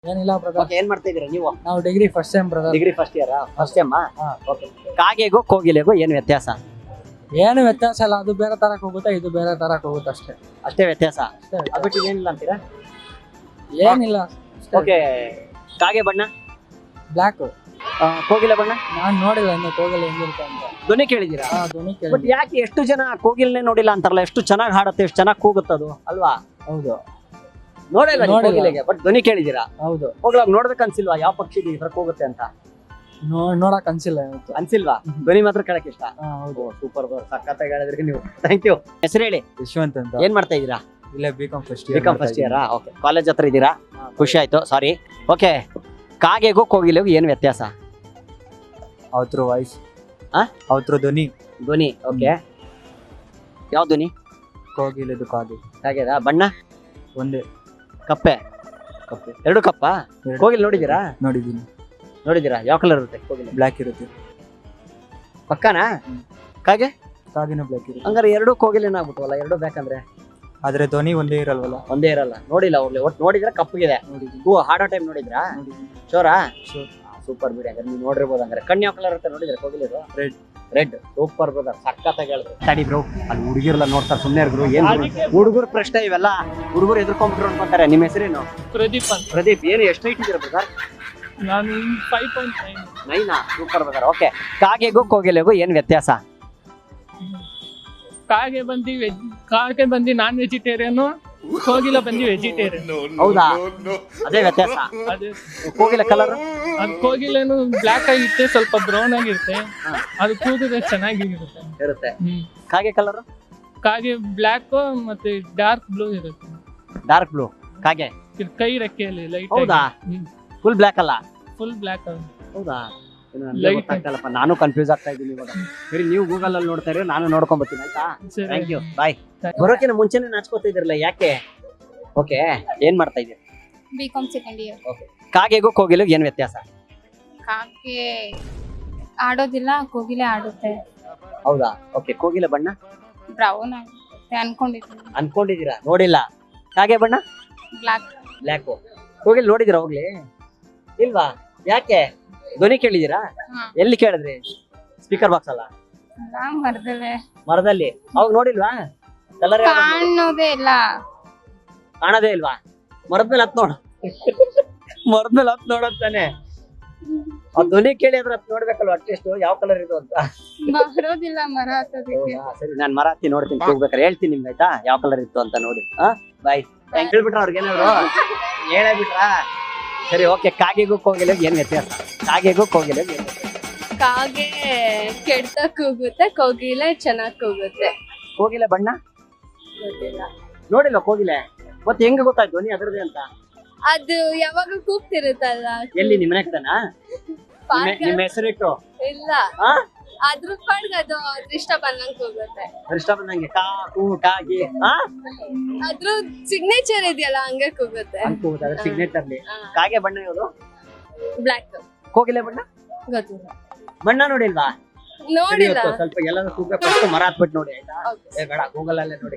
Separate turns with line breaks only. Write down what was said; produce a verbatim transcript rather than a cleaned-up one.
ಏನಿಲ್ಲ brother.
Okay, ಏನ್ ಮಾಡ್ತಾ ಇದೀರಾ ನೀವು?
ನಾವು degree first sem brother.
Degree first year first sem.
ಹಾ.
ಓಕೆ, ಕಾಗೆಗೂ ಕೋಗಿಲೆಗೂ ಏನು ವ್ಯತ್ಯಾಸ?
ಏನು ವ್ಯತ್ಯಾಸ ಇಲ್ಲ, ಅದು ಬೇರೆ ತರಕ್ ಹೋಗುತ್ತೆ, ಇದು ಬೇರೆ ತರಕ್ ಹೋಗುತ್ತೆ ಅಷ್ಟೇ.
ಅಷ್ಟೇ ವ್ಯತ್ಯಾಸ,
ಅಷ್ಟೇ ವ್ಯತ್ಯಾಸ.
ಅದು ಬಿಟ್ಟು ಏನಿಲ್ಲ ಅಂತೀರಾ?
ಏನಿಲ್ಲ.
ಓಕೆ, ಕಾಗೆ ಬಣ್ಣ,
ಬ್ಲಾಕ್.
ಆ, ಕೋಗಿಲೆ ಬಣ್ಣ
ನಾನ್ ನೋಡಿಲ್ಲ ಇನ್ನು ಕೋಗಿಲೆ ಹೆಂಗಿರುತ್ತೆ ಅಂತ.
ಧ್ವನಿ ಕೇಳಿದೀರಾ?
ಹಾ, ಧ್ವನಿ
ಬಟ್
ಕೇಳಿ.
ಯಾಕೆ ಎಷ್ಟು ಜನ ಕೋಗಿಲ್ನೇ ನೋಡಿಲ್ಲ ಅಂತಾರಲ್ಲ? ಎಷ್ಟು ಚೆನ್ನಾಗಿ ಹಾಡುತ್ತೆ, ಎಷ್ಟು ಚೆನ್ನಾಗಿ ಕೂಗುತ್ತದು ಅಲ್ವಾ?
ಹೌದು
ನೋಡಿಲ್ಲ ನೀವು
ನೋಡಿಲ್ಲ.
ಕೋಗಿಲೆಗೆ, ಬಟ್ ಧ್ವನಿ ಕೇಳಿದೀರಾ?
ಹೌದು.
ಹೋಗ್ಲಾಗ ನೋಡ್ಬೇಕು ಅನ್ಸಿಲ್ವಾ ಯಾವ ಪಕ್ಷಿ ಈ ತರ ಕೂಗುತ್ತೆ ಅಂತ?
ನೋ- ನೋಡಕ್ ಅನ್ಸಿಲ್ಲ ಇವತ್ತು.
ಅನ್ಸಿಲ್ವಾ? ಧ್ವನಿ ಮಾತ್ರ ಕೇಳಕ್ ಇಷ್ಟ.
ಹಾ, ಹೌದು.
ಸೂಪರ್, ಸಖತ್ತಾಗಿ ಹೇಳಿದ್ರಿ ನೀವು. Thank you. ಹೆಸರು ಹೇಳಿ.
ಯಶವಂತ್ ಅಂತ.
ಏನ್ ಮಾಡ್ತಾ ಇದೀರಾ?
ಇಲ್ಲ B Com first
B Com first year. Okay, college ಹತ್ರ ಇದ್ದೀರಾ? ಖುಷಿ ಆಯ್ತು, ಸಾರಿ. ಓಕೆ, ಕಾಗೆಗೂ ಕೋಗಿಲೆಗೂ ಏನು ವ್ಯತ್ಯಾಸ?
ಅವ್ರ ವಾಯ್ಸ್,
ಆ?
ಅವ್ರ ಧ್ವನಿ.
ಧ್ವನಿ. ಓಕೆ, ಯಾವ ಧ್ವನಿ?
ಕೋಗಿಲೆದು ಕಾಗೆ
ಹಾಗೆದಾ? ಬಣ್ಣ
ಒಂದೇ.
ಕಪ್ಪೆ.
ಕಪ್ಪೆ
ಎರಡು ಕಪ್ಪ.
ಎರಡು.
ಕೋಗಿಲೆ ನೋಡಿದೀರಾ?
ನೋಡಿದೀನಿ.
ನೋಡಿದೀರಾ? ಯಾವ ಕಲರ್ ಇರುತ್ತೆ ಕೋಗಿಲೆ?
ಬ್ಲಾಕ್ ಇರುತ್ತೆ.
ಪಕ್ಕನಾ?
ಹ್ಮ್.
ಕಾಗೆ
ಕಾಗಿನೂ ಬ್ಲಾಕ್ ಇರುತ್ತೆ.
ಹಂಗಾರೆ ಎರಡು ಕೋಗಿಲೆನ ಆಗ್ಬಿಟ್ವಲ್ಲ, ಎರಡು ಬೇಕಂದ್ರೆ
ಆದ್ರೆ ಧ್ವನಿ ಒಂದೇ ಇರಲ್ವಲ್ಲ.
ಒಂದೇ ಇರಲ್ಲ. ನೋಡಿಲ್ಲ ಹೋಗ್ಲಿ, ಒಟ್ಟು ನೋಡಿದ್ರೆ ಕಪ್ಪಗಿದೆ.
ನೋಡಿದೀನಿ.
ಹೂ ಹಾಡೋ ಟೈಮ್ ನೋಡಿದ್ರಾ?
ನೋಡಿದೀನಿ.
ಶೋರಾ?
Sure.
ಸೂಪರ್ ಬಿಡಿ, ಹಂಗಾರೆ ನೀವು ನೋಡಿರ್ಬೋದು. ಹಂಗಾರೆ ಕಣ್ಣು ಯಾವ ಕಲರ್ ಇರುತ್ತೆ ನೋಡಿದ್ರೆ ಕೋಗಿಲೆದು?
Red.
ರೆಡ್. ಸೂಪರ್ ಬ್ರದರ್, ಸಖತ್ತಾಗಿ ಹೇಳಿದ್ರು. ತಡಿ ಬ್ರೋ, ಅಲ್ಲಿ ಹುಡುಗಿರಲ್ಲ ನೋಡ್ತಾರೆ, ಸುಮ್ಮನೆ ಇರ್ರು. ಏನ್ ಹುಡುಗರ ಪ್ರಶ್ನೆ ಇವೆಲ್ಲ? ಹುಡುಗರು ಎದುರ್ಕೊಂಡ್ಬಿಟ್ರು ಅನ್ಕೊಂತಾರೆ. ನಿಮ್ಮ ಹೆಸರೇನು?
ಪ್ರದೀಪ್ ಅಂತ.
ಪ್ರದೀಪ್. ಏನು ಎಷ್ಟು ಹೈಟ್ ಇದ್ದೀರಾ ಬ್ರದರ್?
ನಾನು ಫೈವ್ ಪಾಯಿಂಟ್ ನೈನ್.
ನೈನಾ? Super brother. ಓಕೆ, ಕಾಗೆಗೂ ಕೋಗಿಲೆಗೂ ಏನ್ ವ್ಯತ್ಯಾಸ?
ಕಾಗೆ ಬಂದು ವೆಜ್ ಕಾಗೆ ಬಂದು ನಾನ್ ವೆಜಿಟೇರಿಯನ್, ಕೋಗಿಲ ಬಂದು ವೆಜಿಟೇರಿಯನ್.
ಹೌದಾ? ಅದೇ ವ್ಯತ್ಯಾಸ.
ಅದೇ
ಕೋಗಿಲೆ ಕಲರ್?
ಅದು ಕೋಗಿಲೇನು ಬ್ಲ್ಯಾಕ್ ಆಗಿರುತ್ತೆ, ಸ್ವಲ್ಪ ಬ್ರೌನ್ ಆಗಿರುತ್ತೆ.
ಹಾ.
ಅದು ಕೂದಿದ್ರೆ ಚೆನ್ನಾಗಿರುತ್ತೆ.
ಇರುತ್ತೆ.
ಹ್ಮ್.
ಕಾಗೆ ಕಲರ್?
ಕಾಗೆ ಬ್ಲ್ಯಾಕ್ ಮತ್ತೆ ಡಾರ್ಕ್ ಬ್ಲೂ ಇರುತ್ತೆ.
Dark blue. ಕಾಗೆ
ಇದು ಕೈ ರೆಕ್ಕೆಯಲ್ಲಿ ಲೈಟ್.
ಹೌದಾ? ಫುಲ್ ಬ್ಲ್ಯಾಕ್ ಅಲ್ಲ?
Full black.
ಹೌದಾ? ಏನು ನನಗೆ
Light.
ಗೊತ್ತಾಗ್ತಿಲ್ಲಪ್ಪ, ನಾನು ಕನ್ಫ್ಯೂಸ್ ಆಗ್ತಾ ಇದ್ದೀನಿ ಇವಾಗ. ಸರಿ, ನೀವು ಗೂಗಲ್ ಅಲ್ಲಿ ನೋಡ್ತಾ ಇರಿ, ನಾನು ನೋಡ್ಕೊಂಡ್ ಬರ್ತೀನಿ. ಆಯ್ತಾ? ಥ್ಯಾಂಕ್ ಯು, ಬಾಯ್. ಬರೋಕಿನ ಮುಂಚೆನೆ ನಾಚ್ಕೋತಾ ಇದ್ರಲ್ಲ, ಯಾಕೆ? ಓಕೆ, ಏನ್ ಮಾಡ್ತಾ ಇದ್ದೀರಿ?
B Com second year.
ಓಕೆ, ಕಾಗೆಗೂ ಕೋಗಿಲೆಗೂ ಏನ್ ವ್ಯತ್ಯಾಸ?
ಕಾಗೆ ಆಡೋದಿಲ್ಲ, ಕೋಗಿಲೆ ಆಡುತ್ತೆ.
ಹೌದಾ? ಓಕೆ, ಕೋಗಿಲೆ ಬಣ್ಣ
ಬ್ರೌನ್ ಆಗುತ್ತೆ ಅನ್ಕೊಂಡಿದ್ದೀನಿ.
ಅನ್ಕೊಂಡಿದೀರಾ? ನೋಡಿಲ್ಲ. ಕಾಗೆ ಬಣ್ಣ
ಬ್ಲಾಕ್.
ಬ್ಲ್ಯಾಕ್. ಕೋಗಿಲೆ ನೋಡಿದಿರಾ ಹೋಗ್ಲಿ? ಇಲ್ವಾ? ಯಾಕೆ? ಧ್ವನಿ ಕೇಳಿದೀರಾ?
ಹಾ.
ಎಲ್ಲಿ ಕೇಳಿದ್ರಿ? ಸ್ಪೀಕರ್ ಬಾಕ್ಸ್ ಅಲ್ಲ,
ಮರದಲ್ಲೇ
ಮರದಲ್ಲಿ. ಅವಾಗ ನೋಡಿಲ್ವಾ? ಕಲರ್
ಕಾಣೋದೇ ಇಲ್ಲ.
ಕಾಣದೇ ಇಲ್ವಾ? ಮರದ ಮೇಲೆ ಹತ್ ನೋಡ. ಮರದ ಮೇಲೆ ಹತ್ ನೋಡತ್ತಾನೆ. ಆ ಧ್ವನಿ ಕೇಳಿ ಅದ್ರ ಹತ್ ನೋಡ್ಬೇಕಲ್ವಾ ಅಟ್ಲೀಸ್ಟ್ ಯಾವ ಕಲರ್ ಇದು ಅಂತ.
ಬರೋದಿಲ್ಲ ಮರ ಹತ್ತೋದಕ್ಕೆ.
ಹೌದಾ? ಸರಿ, ನಾನ್ ಮರ ಹತ್ತಿ ನೋಡ್ತೀನಿ, ಹೋಗ್ಬೇಕಾರೆ ಹೇಳ್ತೀನಿ ನಿಮ್ಗೆ. ಆಯ್ತಾ? ಯಾವ ಕಲರ್ ಇತ್ತು ಅಂತ ನೋಡಿ. ಹಾ, ಬಾಯ್. ಹೇಳ್ಬಿಟ್ರ ಅವ್ರಿಗೆ ಏನಾದ್ರು? ಹೇಳೇ ಬಿಟ್ರಾ? ಸರಿ, ಓಕೆ, ಕಾಗೆಗೂ ಕೋಗಿಲೆಗೂ ಏನ್ ವ್ಯತ್ಯಾಸ? ಕಾಗೆಗೂ ಕೋಗಿಲೆಗೂ ಏನ್ ವ್ಯತ್ಯಾಸ?
ಕಾಗೆ ಕೆಡ್ತ ಕೂಗುತ್ತೆ, ಕೋಗಿಲೆ ಚೆನ್ನಾಗ್ ಕೂಗುತ್ತೆ.
ಕೋಗಿಲೆ ಬಣ್ಣ
ಗೊತ್ತಿಲ್ಲ.
ನೋಡಿಲ್ಲ ಕೋಗಿಲೆ, ಮತ್ತೆ ಹೆಂಗ ಗೊತ್ತಾಯ್ತು ಧ್ವನಿ ಅದರದೇ ಅಂತ?
ಅದು ಯಾವಾಗ ಕೂಗ್ತಿರುತ್ತಲ್ಲ.
ಎಲ್ಲಿ ನಿಮ್ಮ ಮನೆ ಕಡೆನಾ?
ಪಾರ್ಕ್
ನಿಮ್ಮ ಹೆಸರಿಟ್ಟು?
ಇಲ್ಲ,
ಹಾ,
ಅದ್ರ ಪಾಡ್ಗೆ ಅದು ಅದ್ರ ಇಷ್ಟ ಬಂದಂಗ್ ಕೂಗುತ್ತೆ.
ಇಷ್ಟ ಬಂದಂಗೆ ಕಾ ಕೂ ಕಾಗಿ. ಹಾ,
ಅದ್ರ ಸಿಗ್ನೇಚರ್ ಇದೆಯಲ್ಲ ಹಂಗೆ ಕೂಗುತ್ತೆ.
ಅನ್ಕೋಬಹುದು, ಅದ್ರ ಸಿಗ್ನೇಚರ್.
ಹಾ.
ಕಾಗೆ ಬಣ್ಣ ಯಾವುದು?
ಬ್ಲಾಕ್.
ಕೋಗಿಲೆ ಬಣ್ಣ
ಗೊತ್ತಿಲ್ಲ,
ಬಣ್ಣ ನೋಡಿಲ್ವಾ? ಸರಿ,
ನೋಡಿಲ್ಲ.
ಇವತ್ತು ಸ್ವಲ್ಪ ಎಲ್ಲಾದ್ರೂ ಕೂಗ್ಬೇಕು, ಮರ ಹತ್ಬಿಟ್ಟು ನೋಡಿ. ಆಯ್ತಾ?
Okay.
ಏ ಬೇಡ, ಗೂಗಲ್ ಅಲ್ಲೇ ನೋಡಿ.